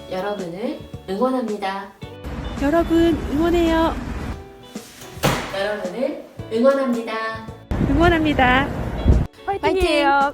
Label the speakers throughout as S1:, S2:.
S1: 여러분을 응원합니다.
S2: 여러분 응원해요.
S1: 여러분을 응원합니다.
S2: 응원합니다. 화이팅이에요.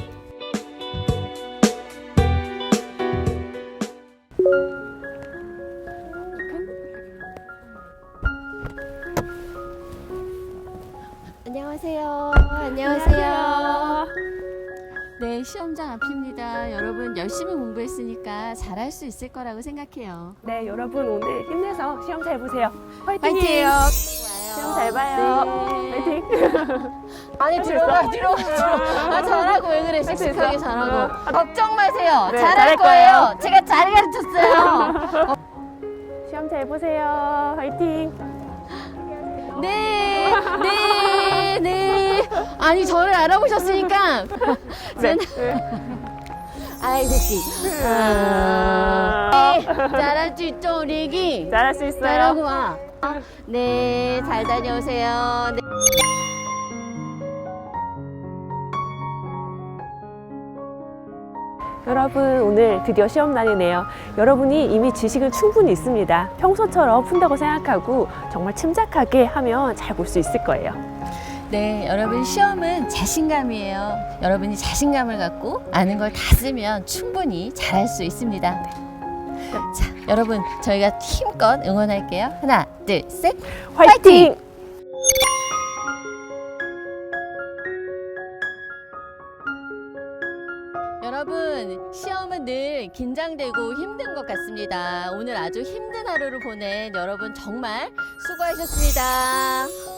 S1: 안녕하세요. 안녕하세요. 네, 시험장 앞입니다. 여러분 열심히 공부했으니까 잘할 수 있을 거라고 생각해요.
S2: 네, 여러분 오늘 힘내서 시험 잘 보세요.
S1: 화이팅!
S2: 화이팅이에요. 시험 잘 봐요.
S1: 네.
S2: 화이팅.
S1: 아니 들어가. 아, 잘하고 왜 그래? 씩씩하게 잘하고. 걱정 마세요.
S2: 네,
S1: 잘할
S2: 잘할
S1: 거예요.
S2: 거예요.
S1: 제가 잘 가르쳤어요.
S2: 시험 잘 보세요. 화이팅.
S1: 네. 아니 저를 알아보셨으니까.
S2: 네.
S1: 아이 새끼. 잘할 수 있죠 우리 애기.
S2: 잘할 수 있어요.
S1: 잘하고 와. 네, 잘 다녀오세요. 네.
S2: 여러분 오늘 드디어 시험 날이네요. 여러분이 이미 지식은 충분히 있습니다. 평소처럼 푼다고 생각하고 정말 침착하게 하면 잘 볼 수 있을 거예요.
S1: 네, 여러분 시험은 자신감이에요. 여러분이 자신감을 갖고 아는 걸 다 쓰면 충분히 잘할 수 있습니다. 자, 여러분 저희가 힘껏 응원할게요. 하나, 둘, 셋.
S2: 화이팅!
S1: 여러분 시험은 늘 긴장되고 힘든 것 같습니다. 오늘 아주 힘든 하루를 보낸 여러분 정말 수고하셨습니다.